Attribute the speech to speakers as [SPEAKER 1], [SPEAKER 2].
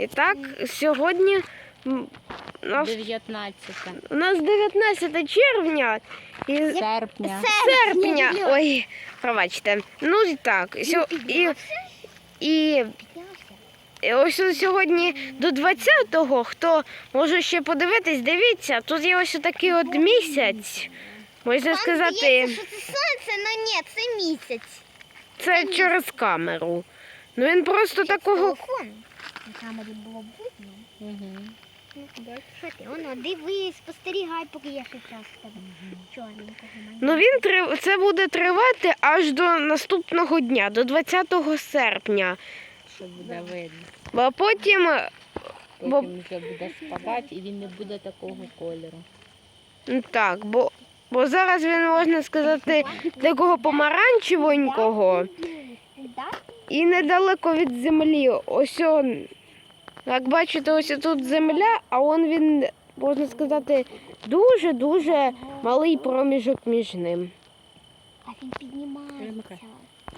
[SPEAKER 1] І так, сьогодні у нас 19 червня і серпня. Ой, пробачте. Ну і так. І ось сьогодні до 20-го, хто може ще подивитись, дивіться, тут є ось такий от місяць. Можна сказати,
[SPEAKER 2] що це сонце, але ні, це місяць.
[SPEAKER 1] Це через камеру. Ну він просто такого...
[SPEAKER 2] На камері було видно. Що ти? Воно, дивись, спостерігай, поки я ще час в тебе чорненького.
[SPEAKER 1] Ну це буде тривати аж до наступного дня, до 20 серпня.
[SPEAKER 3] Що буде видно.
[SPEAKER 1] А потім
[SPEAKER 3] Потім вже буде спадати і він не буде такого кольору.
[SPEAKER 1] так, бо зараз він, можна сказати, такого помаранчевенького і недалеко від землі. Ось як бачите, ось тут земля, а він, можна сказати, дуже-дуже малий проміжок між ним.
[SPEAKER 2] А він піднімається.